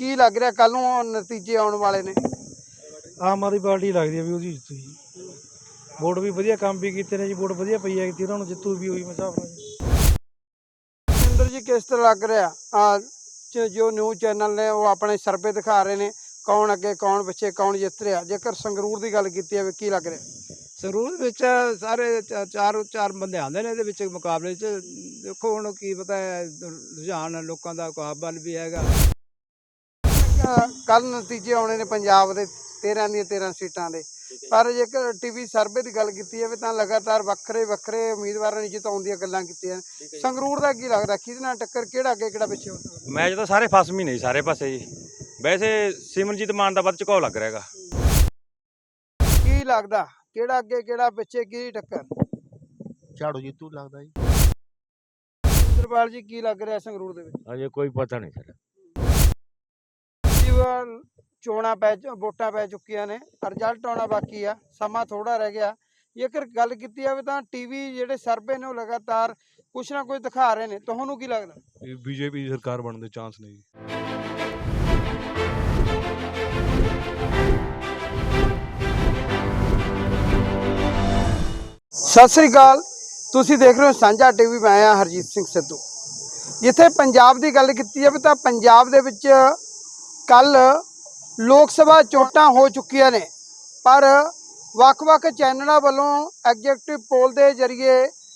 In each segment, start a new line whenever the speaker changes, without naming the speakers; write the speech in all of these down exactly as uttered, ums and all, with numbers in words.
ਕੀ ਲੱਗ ਰਿਹਾ ਕੱਲ ਨੂੰ ਨਤੀਜੇ ਆਉਣ ਵਾਲੇ ਨੇ?
ਆਮ ਆਦਮੀ ਪਾਰਟੀ ਲੱਗਦੀ ਹੈ ਵੀ ਉਹਦੀ ਜਿੱਤੂ ਜੀ। ਵੋਟ ਵੀ ਵਧੀਆ ਕੰਮ ਵੀ ਕੀਤੇ ਨੇ ਜੀ, ਵੋਟ ਵਧੀਆ ਪਈ ਹੈ ਉਹਨਾਂ ਨੂੰ, ਜਿੱਤੂ ਵੀ ਉਹੀ ਹਿਸਾਬ ਨਾਲ ਜੀ।
ਰਜਿੰਦਰ ਜੀ ਕਿਸ ਤਰ੍ਹਾਂ ਲੱਗ ਰਿਹਾ ਆ ਜੋ ਨਿਊਜ਼ ਚੈਨਲ ਨੇ ਉਹ ਆਪਣੇ ਸਰਵੇ ਦਿਖਾ ਰਹੇ ਨੇ, ਕੌਣ ਅੱਗੇ ਕੌਣ ਪਿੱਛੇ ਕੌਣ ਜਿੱਤ ਰਿਹਾ? ਜੇਕਰ ਸੰਗਰੂਰ ਦੀ ਗੱਲ ਕੀਤੀ ਜਾਵੇ ਕੀ ਲੱਗ ਰਿਹਾ?
ਸੰਗਰੂਰ ਵਿੱਚ ਸਾਰੇ ਚਾਰ ਚਾਰ ਬੰਦੇ ਆਉਂਦੇ ਨੇ ਇਹਦੇ ਵਿੱਚ ਮੁਕਾਬਲੇ 'ਚ। ਦੇਖੋ ਹੁਣ ਕੀ ਪਤਾ ਹੈ, ਰੁਝਾਨ ਲੋਕਾਂ ਦਾ ਮੁਕਾਬਲਾ ਵੀ ਹੈਗਾ।
ਕੱਲ ਨਤੀਜੇ ਆਉਣੇ ਨੇ ਪੰਜਾਬ ਦੇ ਤੇਰਾਂ ਦੀਆਂ ਤੇਰਾਂ ਸੀਟਾਂ ਦੇ, ਪਰ ਜੇਕਰ ਟੀਵੀ ਸਰਵੇ ਦੀ ਗੱਲ ਕੀਤੀ ਜਾਵੇ ਤਾਂ ਲਗਾਤਾਰ ਵੱਖਰੇ ਵੱਖਰੇ ਉਮੀਦਵਾਰਾਂ ਨੂੰ ਜਿਤਾਉਣ ਦੀਆਂ ਗੱਲਾਂ ਕੀਤੀਆਂ। ਸੰਗਰੂਰ ਦਾ ਕੀ ਲੱਗਦਾ, ਕਿਹਦੇ ਨਾਲ ਟੱਕਰ, ਕਿਹੜਾ ਅੱਗੇ ਕਿਹੜਾ ਪਿੱਛੇ ਹੋ ਸਕਦਾ?
ਮੈਚ ਤਾਂ ਸਾਰੇ ਫਸਮੀ ਨਹੀਂ ਸਾਰੇ ਪਾਸੇ ਜੀ। ਵੈਸੇ ਸਿਮਰਨਜੀਤ ਮਾਨ ਦਾ ਵੱਧ ਝੁਕਾਅ ਲੱਗ ਰਿਹਾ ਹੈਗਾ।
ਕੀ ਲੱਗਦਾ ਕਿਹੜਾ ਅੱਗੇ ਕਿਹੜਾ ਪਿੱਛੇ, ਕੀ ਟੱਕਰ?
ਝਾੜੂ ਜੀਤੂ ਲੱਗਦਾ ਜੀ।
ਇੰਦਰਪਾਲ ਜੀ ਕੀ ਲੱਗ ਰਿਹਾ ਸੰਗਰੂਰ ਦੇ ਵਿੱਚ?
ਅਜੇ ਕੋਈ ਪਤਾ ਨਹੀਂ ਸਰ।
ਚੋਣਾਂ ਪੈ ਵੋਟਾਂ ਪੈ ਚੁੱਕੀਆਂ ਨੇ, ਰਿਜ਼ਲਟ ਆਉਣਾ ਬਾਕੀ ਆ, ਸਮਾਂ ਥੋੜਾ ਰਹਿ ਗਿਆ। ਜੇਕਰ ਗੱਲ ਕੀਤੀ ਜਾਵੇ ਤਾਂ ਟੀਵੀ ਜਿਹੜੇ ਸਰਵੇ ਨੇ ਉਹ ਲਗਾਤਾਰ ਕੁਛ ਨਾ ਕੁਛ ਦਿਖਾ ਰਹੇ ਨੇ, ਤੁਹਾਨੂੰ ਕੀ ਲੱਗਦਾ?
ਬੀਜੇਪੀ ਦੀ ਸਰਕਾਰ ਬਣਨ ਦੇ ਚਾਂਸ ਨੇ ਜੀ।
ਸਤਿ ਸ੍ਰੀ ਅਕਾਲ, ਤੁਸੀਂ ਦੇਖ ਰਹੇ ਹੋ ਸਾਂਝਾ ਟੀਵੀ। ਮੈਂ ਆ ਹਰਜੀਤ ਸਿੰਘ ਸਿੱਧੂ। ਜਿੱਥੇ ਪੰਜਾਬ ਦੀ ਗੱਲ ਕੀਤੀ ਜਾਵੇ ਤਾਂ ਪੰਜਾਬ ਦੇ ਵਿੱਚ ਕੱਲ ਲੋਕ ਸਭਾ ਚੋਣਾਂ ਹੋ ਚੁੱਕੀਆਂ ਨੇ, ਪਰ ਵੱਖ-ਵੱਖ ਚੈਨਲਾਂ ਵੱਲੋਂ ਐਗਜ਼ੈਕਟਿਵ ਪੋਲ ਦੇ ਜ਼ਰੀਏ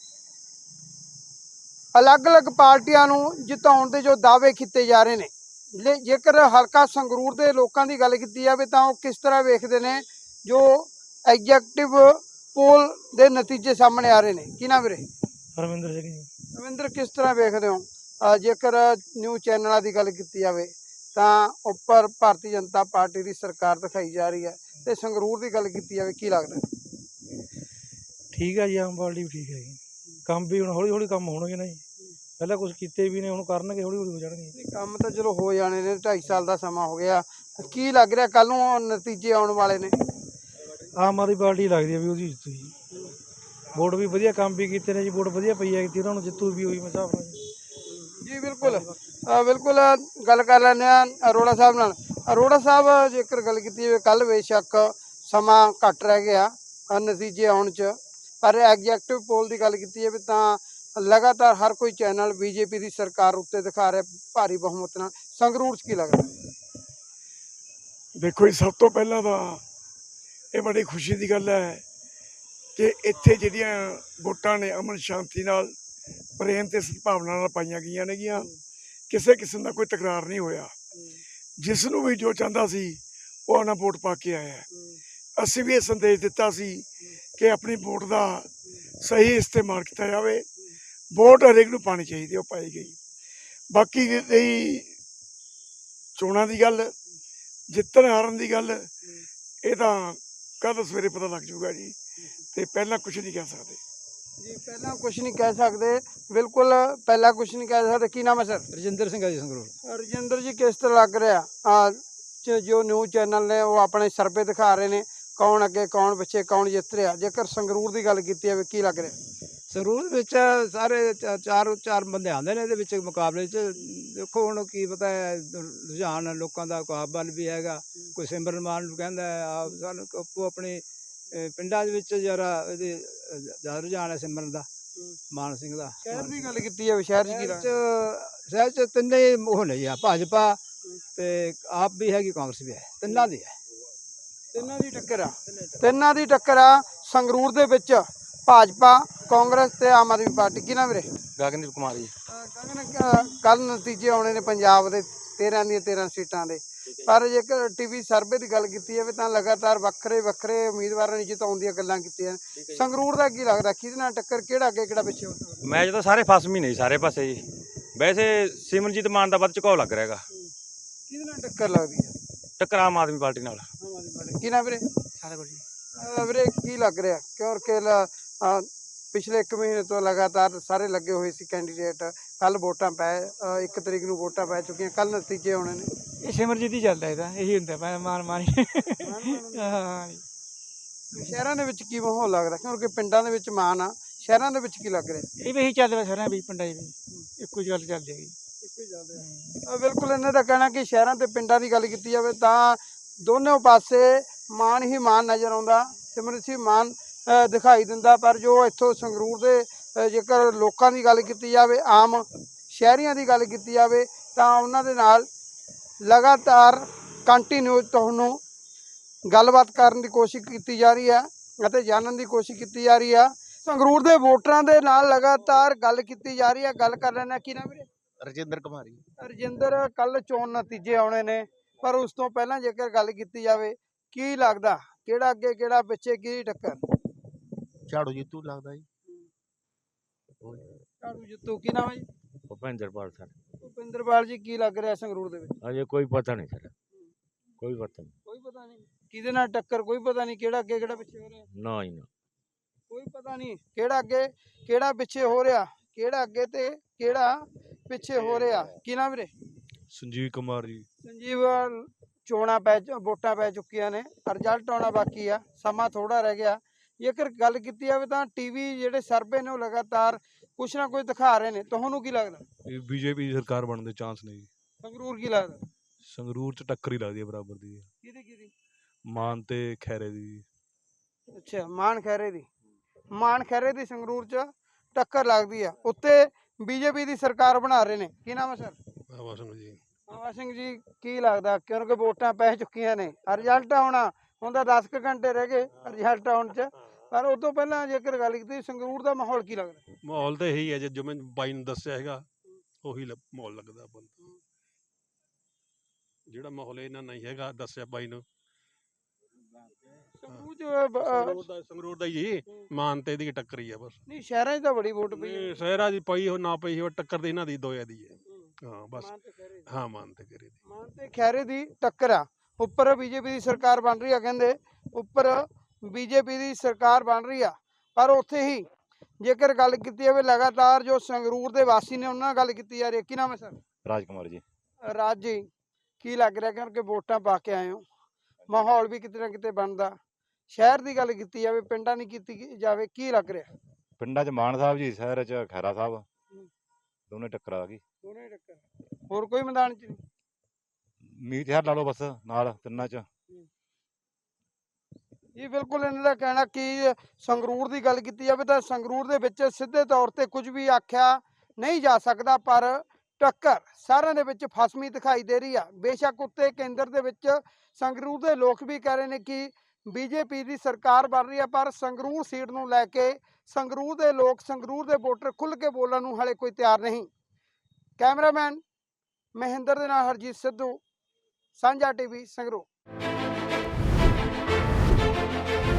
ਅਲੱਗ-ਅਲੱਗ ਪਾਰਟੀਆਂ ਨੂੰ ਜਿਤਾਉਣ ਦੇ ਜੋ ਦਾਅਵੇ ਕੀਤੇ ਜਾ ਰਹੇ ਨੇ। ਜੇਕਰ ਹਲਕਾ ਸੰਗਰੂਰ ਦੇ ਲੋਕਾਂ ਦੀ ਗੱਲ ਕੀਤੀ ਜਾਵੇ ਤਾਂ ਉਹ ਕਿਸ ਤਰ੍ਹਾਂ ਵੇਖਦੇ ਨੇ ਜੋ ਐਗਜ਼ੈਕਟਿਵ ਪੋਲ ਦੇ ਨਤੀਜੇ ਸਾਹਮਣੇ ਆ ਰਹੇ ਨੇ? ਕੀ ਨਾਮ ਵੀਰੇ?
ਰਵਿੰਦਰ ਸਿੰਘ ਜੀ।
ਰਵਿੰਦਰ, ਕਿਸ ਤਰ੍ਹਾਂ ਵੇਖਦੇ ਹੋ ਜੇਕਰ ਨਿਊਜ਼ ਚੈਨਲਾਂ ਦੀ ਗੱਲ ਕੀਤੀ ਜਾਵੇ ਤਾਂ ਉੱਪਰ ਭਾਰਤੀ ਜਨਤਾ ਪਾਰਟੀ ਦੀ ਸਰਕਾਰ ਦਿਖਾਈ ਜਾ ਰਹੀ ਹੈ, ਤੇ ਸੰਗਰੂਰ ਦੀ ਗੱਲ ਕੀਤੀ ਜਾਵੇ ਕੀ ਲੱਗਦਾ?
ਠੀਕ ਹੈ ਜੀ, ਆਮ ਪਾਰਟੀ ਵੀ ਠੀਕ ਹੈ ਜੀ। ਕੰਮ ਵੀ ਹੁਣ ਹੌਲੀ ਹੌਲੀ ਕੰਮ ਹੋਣਗੇ ਨਾ ਜੀ, ਪਹਿਲਾਂ ਕੁਛ ਕੀਤੇ ਵੀ ਨੇ, ਹੁਣ ਕਰਨਗੇ, ਹੌਲੀ ਹੌਲੀ ਹੋ ਜਾਣਗੇ।
ਕੰਮ ਤਾਂ ਚਲੋ ਹੋ ਜਾਣੇ ਨੇ, ਢਾਈ ਸਾਲ ਦਾ ਸਮਾਂ ਹੋ ਗਿਆ। ਕੀ ਲੱਗ ਰਿਹਾ ਕੱਲ ਨੂੰ ਨਤੀਜੇ ਆਉਣ ਵਾਲੇ ਨੇ?
ਆਮ ਆਦਮੀ ਪਾਰਟੀ ਲੱਗਦੀ ਹੈ ਵੀ ਉਹਦੀ ਜਿੱਤੂ ਜੀ। ਵੋਟ ਵੀ ਵਧੀਆ ਕੰਮ ਵੀ ਕੀਤੇ ਨੇ ਜੀ, ਵੋਟ ਵਧੀਆ ਪਈ ਹੈ ਉਹਨਾਂ ਨੂੰ, ਜਿੱਤੂ ਵੀ ਉਹੀ ਹਿਸਾਬ ਨਾਲ ਜੀ।
ਜੀ ਬਿਲਕੁਲ ਬਿਲकुल ਗੱਲ ਕਰ ਲੈਂਦੇ ਹਾਂ ਅਰੋੜਾ ਸਾਹਿਬ ਨਾਲ। ਅਰੋੜਾ ਸਾਹਿਬ, ਜੇਕਰ ਗੱਲ ਕੀਤੀ ਜਾਵੇ ਕੱਲ ਬੇਸ਼ੱਕ ਸਮਾਂ ਘੱਟ ਰਹਿ ਗਿਆ ਨਤੀਜੇ ਆਉਣ 'ਚ, ਪਰ ਐਗਜ਼ੈਕਟਿਵ ਪੋਲ ਦੀ ਗੱਲ ਕੀਤੀ ਜਾਵੇ ਤਾਂ ਲਗਾਤਾਰ ਹਰ ਕੋਈ ਚੈਨਲ ਬੀਜੇਪੀ ਦੀ ਸਰਕਾਰ ਉੱਤੇ ਦਿਖਾ ਰਿਹਾ ਭਾਰੀ ਬਹੁਮਤ ਨਾਲ। ਸੰਗਰੂਰ 'ਚ ਕੀ ਲੱਗਦਾ?
ਦੇਖੋ ਜੀ, ਸਭ ਤੋਂ ਪਹਿਲਾਂ ਤਾਂ ਇਹ ਬੜੀ ਖੁਸ਼ੀ ਦੀ ਗੱਲ ਹੈ ਕਿ ਇੱਥੇ ਜਿਹੜੀਆਂ ਵੋਟਾਂ ਨੇ ਅਮਨ ਸ਼ਾਂਤੀ ਨਾਲ, ਪ੍ਰੇਮ ਤੇ ਸਦਭਾਵਨਾ ਨਾਲ ਪਾਈਆਂ ਗਈਆਂ ਨੇਗੀਆਂ। ਕਿਸੇ ਕਿਸਮ ਦਾ ਕੋਈ ਤਕਰਾਰ ਨਹੀਂ ਹੋਇਆ। ਜਿਸ ਨੂੰ ਵੀ ਜੋ ਚਾਹੁੰਦਾ ਸੀ ਉਹ ਆਪਣਾ ਵੋਟ ਪਾ ਕੇ ਆਇਆ। ਅਸੀਂ ਵੀ ਇਹ ਸੰਦੇਸ਼ ਦਿੱਤਾ ਸੀ ਕਿ ਆਪਣੀ ਵੋਟ ਦਾ ਸਹੀ ਇਸਤੇਮਾਲ ਕੀਤਾ ਜਾਵੇ। ਵੋਟ ਹਰੇਕ ਨੂੰ ਪਾਣੀ ਚਾਹੀਦੀ, ਉਹ ਪਾਈ ਗਈ। ਬਾਕੀ ਰਹੀ ਚੋਣਾਂ ਦੀ ਗੱਲ, ਜਿੱਤਣ ਹਾਰਨ ਦੀ ਗੱਲ, ਇਹ ਤਾਂ ਕੱਲ੍ਹ ਸਵੇਰੇ ਪਤਾ ਲੱਗ ਜੂਗਾ ਜੀ, ਤੇ ਪਹਿਲਾਂ ਕੁਛ ਨਹੀਂ ਕਹਿ ਸਕਦੇ
ਜੀ। ਪਹਿਲਾਂ ਕੁਛ ਨਹੀਂ ਕਹਿ ਸਕਦੇ, ਬਿਲਕੁਲ ਪਹਿਲਾਂ ਕੁਛ ਨਹੀਂ ਕਹਿ ਸਕਦੇ। ਕੀ ਨਾਮ ਹੈ ਸਰ?
ਰਜਿੰਦਰ ਸਿੰਘ ਹੈ ਜੀ, ਸੰਗਰੂਰ।
ਰਜਿੰਦਰ ਜੀ, ਕਿਸ ਤਰ੍ਹਾਂ ਲੱਗ ਰਿਹਾ ਜੋ ਨਿਊਜ਼ ਚੈਨਲ ਨੇ ਉਹ ਆਪਣੇ ਸਰਵੇ ਦਿਖਾ ਰਹੇ ਨੇ, ਕੌਣ ਅੱਗੇ ਕੌਣ ਪਿੱਛੇ ਕੌਣ ਜਿੱਤ ਰਿਹਾ? ਜੇਕਰ ਸੰਗਰੂਰ ਦੀ ਗੱਲ ਕੀਤੀ ਜਾਵੇ ਕੀ ਲੱਗ ਰਿਹਾ?
ਸੰਗਰੂਰ ਵਿੱਚ ਸਾਰੇ ਚਾਰ ਚਾਰ ਬੰਦੇ ਆਉਂਦੇ ਨੇ ਇਹਦੇ ਵਿੱਚ ਮੁਕਾਬਲੇ 'ਚ। ਦੇਖੋ ਹੁਣ ਕੀ ਪਤਾ ਹੈ, ਰੁਝਾਨ ਲੋਕਾਂ ਦਾ ਮੁਕਾਬਲਾ ਵੀ ਹੈਗਾ। ਕੋਈ ਸਿਮਰਨ ਮਾਨ ਨੂੰ ਕਹਿੰਦਾ ਆਪ ਸਾਨੂੰ ਆਪੋ ਆਪਣੇ ਪਿੰਡਾਂ ਦੇ ਵਿੱਚ ਜਰਾ ਇਹਦੇ ਜ਼ਿਆਦਾ ਰੁਝਾਨ ਹੈ ਸਿਮਰਨ ਦਾ, ਮਾਨ ਸਿੰਘ ਦਾ।
ਸ਼ਹਿਰ ਦੀ ਗੱਲ ਕੀਤੀ ਜਾਵੇ, ਸ਼ਹਿਰ 'ਚ ਕੀ ਲੱਗਦਾ?
ਸ਼ਹਿਰ 'ਚ ਤਿੰਨੇ ਉਹ ਨੇ ਜੀ, ਭਾਜਪਾ ਤੇ ਆਪ ਵੀ ਹੈਗੀ, ਕਾਂਗਰਸ ਵੀ ਹੈ, ਤਿੰਨਾਂ ਦੀ ਹੈ।
ਤਿੰਨਾਂ ਦੀ ਟੱਕਰ ਆ, ਤਿੰਨਾਂ ਦੀ ਟੱਕਰ ਆ ਸੰਗਰੂਰ ਦੇ ਵਿੱਚ, ਭਾਜਪਾ, ਕਾਂਗਰਸ ਤੇ ਆਮ ਆਦਮੀ ਪਾਰਟੀ। ਕੀ ਨਾ ਵੀਰੇ?
ਗਗਨਦੀਪ ਕੁਮਾਰ ਜੀ।
ਕੱਲ ਨਤੀਜੇ ਆਉਣੇ ਨੇ ਪੰਜਾਬ ਦੇ ਤੇਰਾਂ ਦੀਆਂ ਤੇਰਾਂ ਸੀਟਾਂ ਦੇ, ਪਰ ਜੇਕਰ ਟੀਵੀ ਸਰਵੇ ਦੀ ਗੱਲ ਕੀਤੀ ਜਾਵੇ ਤਾਂ ਲਗਾਤਾਰ ਵੱਖਰੇ ਵੱਖਰੇ ਉਮੀਦਵਾਰਾਂ ਨੂੰ ਜਿਤਾਉਣ ਦੀਆਂ ਗੱਲਾਂ ਕੀਤੀਆਂ। ਸੰਗਰੂਰ ਦਾ ਕੀ ਲੱਗਦਾ, ਕਿਹਦੇ ਨਾਲ ਟੱਕਰ, ਕਿਹੜਾ ਅੱਗੇ ਕਿਹੜਾ ਪਿੱਛੇ ਹੋ ਸਕਦਾ?
ਮੈਚ ਤਾਂ ਸਾਰੇ ਫਸਮੀ ਨਹੀਂ ਸਾਰੇ ਪਾਸੇ ਜੀ। ਵੈਸੇ ਸਿਮਰਨਜੀਤ ਮਾਨ ਦਾ ਵੱਧ ਝੁਕਾਅ ਲੱਗ ਰਿਹਾ ਹੈਗਾ।
ਕਿਹਦੇ ਨਾਲ ਟੱਕਰ ਲੱਗਦੀ ਹੈ?
ਟੱਕਰ ਆਮ ਆਦਮੀ ਪਾਰਟੀ ਨਾਲ।
ਆਮ ਆਦਮੀ ਪਾਰਟੀ। ਕੀ ਨਾ ਵੀਰੇ? ਵੀਰੇ ਕੀ ਲੱਗ ਰਿਹਾ, ਕਿਉਂਕਿ ਪਿਛਲੇ ਇੱਕ ਮਹੀਨੇ ਤੋਂ ਲਗਾਤਾਰ ਸਾਰੇ ਲੱਗੇ ਹੋਏ ਸੀ ਕੈਂਡੀਡੇਟ, ਕੱਲ ਵੋਟਾਂ ਪੈ ਇੱਕ ਤਰੀਕ ਨੂੰ ਵੋਟਾਂ ਪੈ ਚੁੱਕੀਆਂ, ਕੱਲ ਨਤੀਜੇ ਆਉਣੇ ਨੇ।
ਇਹ ਸਿਮਰਜੀਤ ਹੀ ਚੱਲਦਾ, ਇਹਦਾ ਇਹੀ ਹੁੰਦਾ ਮਾਨ ਮਾਨ। ਹਾਂ,
ਸ਼ਹਿਰਾਂ ਦੇ ਵਿੱਚ ਕੀ ਮਾਹੌਲ ਲੱਗਦਾ, ਕਿਉਂਕਿ ਪਿੰਡਾਂ ਦੇ ਵਿੱਚ ਮਾਨ ਆ, ਸ਼ਹਿਰਾਂ ਦੇ ਵਿੱਚ ਕੀ ਲੱਗ ਰਿਹਾ?
ਇਹ ਵੀ ਇਹੀ ਚੱਲਦਾ ਸਾਰਿਆਂ ਵੀ, ਪਿੰਡਾਂ 'ਚ ਵੀ ਇੱਕੋ ਹੀ ਗੱਲ ਚੱਲਦੀ ਹੈਗੀ।
ਅ, ਬਿਲਕੁਲ ਇਹਨਾਂ ਦਾ ਕਹਿਣਾ ਕਿ ਸ਼ਹਿਰਾਂ ਤੇ ਪਿੰਡਾਂ ਦੀ ਗੱਲ ਕੀਤੀ ਜਾਵੇ ਤਾਂ ਦੋਨੋਂ ਪਾਸੇ ਮਾਨ ਹੀ ਮਾਨ ਨਜ਼ਰ ਆਉਂਦਾ, ਸਿਮਰਜੀਤ ਸਿੰਘ ਮਾਨ ਅ, ਦਿਖਾਈ ਦਿੰਦਾ। ਪਰ ਜੋ ਇੱਥੋਂ ਸੰਗਰੂਰ ਦੇ ਅ, ਜੇਕਰ ਲੋਕਾਂ ਦੀ ਗੱਲ ਕੀਤੀ ਜਾਵੇ, ਆਮ ਸ਼ਹਿਰੀਆਂ ਦੀ ਗੱਲ ਕੀਤੀ ਜਾਵੇ ਤਾਂ ਉਹਨਾਂ ਦੇ ਨਾਲ ਲਗਾਤਾਰ ਕੰਟੀਨਿਊ ਤੁਹਾਨੂੰ ਗੱਲਬਾਤ ਕਰਨ ਦੀ ਕੋਸ਼ਿਸ਼ ਕੀਤੀ ਜਾ ਰਹੀ ਹੈ ਅਤੇ ਜਾਣਨ ਦੀ ਕੋਸ਼ਿਸ਼ ਕੀਤੀ ਜਾ ਰਹੀ ਆ। ਸੰਗਰੂਰ ਦੇ ਵੋਟਰਾਂ ਦੇ ਨਾਲ ਲਗਾਤਾਰ ਗੱਲ ਕੀਤੀ ਜਾ ਰਹੀ ਹੈ। ਗੱਲ ਕਰ ਲੈਣਾ ਕੀ ਨਾਮ ਵੀਰੇ?
ਰਜਿੰਦਰ ਕੁਮਾਰੀ
ਰਜਿੰਦਰ, ਕੱਲ ਚੋਣ ਨਤੀਜੇ ਆਉਣੇ ਨੇ, ਪਰ ਉਸ ਤੋਂ ਪਹਿਲਾਂ ਜੇਕਰ ਗੱਲ ਕੀਤੀ ਜਾਵੇ, ਕੀ ਲੱਗਦਾ ਕਿਹੜਾ ਅੱਗੇ ਕਿਹੜਾ ਪਿੱਛੇ, ਕੀ ਟੱਕਰ?
ਝਾੜੂ ਜਿੱਤੂ ਲੱਗਦਾ ਜੀ।
ਝਾੜੂ ਜਿੱਤੂ। ਕੀ ਨਾਮ ਹੈ ਜੀ?
ਭੁਪਿੰਦਰਪਾਲ ਸਰ।
ਭੁਪਿੰਦਰਪਾਲ ਜੀ, ਕੀ ਲੱਗ ਰਿਹਾ ਸੰਗਰੂਰ ਦੇ ਵਿੱਚ?
ਅਜੇ ਕੋਈ ਪਤਾ ਨਹੀਂ ਸਰ, ਕੋਈ ਪਤਾ ਨਹੀਂ।
ਕੋਈ ਪਤਾ ਨਹੀਂ ਕਿਹਦੇ ਨਾਲ ਟੱਕਰ, ਕੋਈ ਪਤਾ ਨਹੀਂ ਕਿਹੜਾ ਅੱਗੇ ਕਿਹੜਾ ਪਿੱਛੇ ਹੋ ਰਿਹਾ,
ਨਾ ਹੀ ਨਾ।
ਕੋਈ ਪਤਾ ਨਹੀਂ ਕਿਹੜਾ ਅੱਗੇ ਕਿਹੜਾ ਪਿੱਛੇ ਹੋ ਰਿਹਾ, ਕਿਹੜਾ ਅੱਗੇ ਤੇ ਕਿਹੜਾ ਪਿੱਛੇ ਹੋ ਰਿਹਾ। ਕੀ ਨਾਮ ਵੀਰੇ?
ਸੰਜੀਵ ਕੁਮਾਰ ਜੀ।
ਸੰਜੀਵ, ਚੋਣਾਂ ਪੈ ਚ- ਵੋਟਾਂ ਪੈ ਚੁੱਕੀਆਂ ਨੇ, ਰਿਜ਼ਲਟ ਆਉਣਾ ਬਾਕੀ ਆ, ਸਮਾਂ ਥੋੜਾ ਰਹਿ ਗਿਆ। ਜੇਕਰ ਗੱਲ ਕੀਤੀ ਜਾਵੇ ਤਾਂ ਟੀਵੀ ਜਿਹੜੇ ਸਰਵੇ ਨੇ ਉਹ ਲਗਾਤਾਰ ਕੁਛ ਨਾ ਕੁਛ ਦਿਖਾ ਰਹੇ ਨੇ, ਤੁਹਾਨੂੰ ਕੀ ਲੱਗਦਾ
ਇਹ ਬੀਜੇਪੀ ਦੀ ਸਰਕਾਰ ਬਣਨ ਦੇ ਚਾਂਸ ਨੇ ਜੀ।
ਸੰਗਰੂਰ ਕੀ ਲੱਗਦਾ?
ਸੰਗਰੂਰ ਚ ਟੱਕਰ ਹੀ ਲੱਗਦੀ ਹੈ ਬਰਾਬਰ ਦੀ।
ਕਿਹਦੀ ਕਿਹਦੀ?
ਮਾਨ ਤੇ ਖੈਰੇ ਦੀ ਜੀ।
ਅੱਛਾ, ਮਾਨ ਖੈਰੇ ਦੀ। ਮਾਨ ਖੈਰੇ ਦੀ ਸੰਗਰੂਰ ਚ ਟੱਕਰ ਲੱਗਦੀ ਆ। ਉੱਤੇ ਬੀਜੇਪੀ ਦੀ ਸਰਕਾਰ ਬਣਾ ਰਹੇ ਨੇ। ਕੀ ਨਾਮ ਹੈ ਸਰ?
ਬਾਬਾ ਸਿੰਘ ਜੀ।
ਬਾਬਾ ਸਿੰਘ ਜੀ, ਕੀ ਲੱਗਦਾ ਕਿਉਂਕਿ ਵੋਟਾਂ ਪੈ ਚੁੱਕੀਆਂ ਨੇ, ਰਿਜ਼ਲਟ ਆਉਣਾ ਹੁਣ ਤਾਂ ਦਸ ਕੁ ਘੰਟੇ ਰਹਿ ਗਏ ਰਿਜ਼ਲਟ ਆਉਣ ਚ, ਪਰ ਉਸ ਤੋਂ ਪਹਿਲਾਂ ਜੇਕਰ ਗੱਲ ਕੀਤੀ ਸੰਗਰੂਰ ਦਾ ਮਾਹੌਲ ਕੀ ਲੱਗਦਾ?
ਮਾਹੌਲ ਤਾਂ ਇਹੀ ਹੈ ਜੇ ਜਿਵੇਂ ਬਾਈ ਨੂੰ ਦੱਸਿਆ ਹੈਗਾ ਉਹੀ ਲ- ਮਾਹੌਲ ਲੱਗਦਾ ਆਪਾਂ ਨੂੰ। ਜਿਹੜਾ ਮਾਹੌਲ ਇਹਨਾਂ ਨਹੀਂ ਹੈਗਾ ਦੱਸਿਆ ਬਾਈ ਨੂੰ,
ਸੰਗਰੂਰ ਚ ਬ- ਅਹ
ਸੰਗਰੂਰ ਦਾ ਸੰਗਰੂਰ ਦਾ ਹੀ ਜੀ, ਮਾਨ ਤੇ ਇਹਦੀ ਟੱਕਰ ਹੀ ਆ ਬਸ।
ਨਹੀਂ, ਸ਼ਹਿਰਾਂ 'ਚ ਤਾਂ ਬੜੀ ਵੋਟ ਪਈ ਹੈ।
ਇਹ ਸ਼ਹਿਰਾਂ ਦੀ ਪਈ ਹੋ ਨਾ ਪਈ ਹੋ, ਟੱਕਰ ਤੇ ਇਹਨਾਂ ਦੀ ਦੋਇਆ ਦੀ ਹੈ। ਹਾਂ ਬਸ,
ਮਾਨ ਤੇ ਖੈਰੇ ਦੀ।
ਹਾਂ ਮਾਨ ਤੇ ਕਰੇ ਦੀ।
ਮਾਨ ਤੇ ਖੈਰੇ ਦੀ ਟੱਕਰ ਆ। ਉੱਪਰ ਬੀਜੇਪੀ ਦੀ ਸਰਕਾਰ ਬਣ ਰਹੀ ਆ, ਕਹਿੰਦੇ ਉੱਪਰ ਬੀਜੇਪੀ ਦੀ ਸਰਕਾਰ ਬਣ ਰਹੀ ਆ, ਪਰ ਉੱਥੇ ਹੀ ਜੇਕਰ ਗੱਲ ਕੀਤੀ ਜਾਵੇ ਲਗਾਤਾਰ ਜੋ ਸੰਗਰੂਰ ਦੇ ਵਾਸੀ ਨੇ ਉਹਨਾਂ ਨਾਲ ਗੱਲ ਕੀਤੀ ਜਾ ਰਹੀ ਹੈ। ਕੀ ਨਾਮ ਹੈ ਸਰ?
ਰਾਜ ਕੁਮਾਰ ਜੀ।
ਰਾਜ ਜੀ, ਕੀ ਲੱਗ ਰਿਹਾ ਕਿਉਂਕਿ ਵੋਟਾਂ ਪਾ ਕੇ ਆਏ ਹੋ, ਮਾਹੌਲ ਵੀ ਕਿਤੇ ਨਾ ਕਿਤੇ ਬਣਦਾ, ਸ਼ਹਿਰ ਦੀ ਗੱਲ ਕੀਤੀ ਜਾਵੇ ਪਿੰਡਾਂ ਦੀ ਕੀਤੀ ਜਾਵੇ, ਕੀ ਲੱਗ ਰਿਹਾ?
ਪਿੰਡਾਂ 'ਚ ਮਾਨ ਸਾਹਿਬ ਜੀ, ਸ਼ਹਿਰ 'ਚ ਖੈਰਾ ਸਾਹਿਬ, ਦੋਨੇ ਟੱਕਰ ਆ ਗਈ।
ਦੋਨੇ ਹੀ ਟੱਕਰ, ਹੋਰ ਕੋਈ ਮੈਦਾਨ 'ਚ ਨਹੀਂ?
ਮੀਤ ਹਰ ਲਾ ਲਓ ਬਸ ਨਾਲ ਤਿੰਨਾਂ 'ਚ।
ਜੀ ਬਿਲਕੁਲ, ਇਹਨਾਂ ਦਾ ਕਹਿਣਾ ਕਿ ਸੰਗਰੂਰ ਦੀ ਗੱਲ ਕੀਤੀ ਜਾਵੇ ਤਾਂ ਸੰਗਰੂਰ ਦੇ ਵਿੱਚ ਸਿੱਧੇ ਤੌਰ ਤੇ ਕੁਝ ਵੀ ਆਖਿਆ ਨਹੀਂ ਜਾ ਸਕਦਾ, ਪਰ ਟੱਕਰ ਸਾਰਿਆਂ ਦੇ ਵਿੱਚ ਫਸਵੀਂ ਦਿਖਾਈ ਦੇ ਰਹੀ ਆ। ਬੇਸ਼ੱਕ ਉੱਤੇ ਕੇਂਦਰ ਦੇ ਵਿੱਚ ਸੰਗਰੂਰ ਦੇ ਲੋਕ ਵੀ ਕਹਿ ਰਹੇ ਨੇ ਕਿ ਬੀਜੇਪੀ ਦੀ ਸਰਕਾਰ ਬਣ ਰਹੀ ਆ, ਪਰ ਸੰਗਰੂਰ ਸੀਟ ਨੂੰ ਲੈ ਕੇ ਸੰਗਰੂਰ ਦੇ ਲੋਕ, ਸੰਗਰੂਰ ਦੇ ਵੋਟਰ ਖੁੱਲ੍ਹ ਕੇ ਬੋਲਣ ਨੂੰ ਹਾਲੇ ਕੋਈ ਤਿਆਰ ਨਹੀਂ। ਕੈਮਰਾਮੈਨ ਮਹਿੰਦਰ ਦੇ ਨਾਲ ਹਰਜੀਤ ਸਿੱਧੂ, ਸਾਂਝਾ ਟੀਵੀ ਸੰਗਰੂਰ।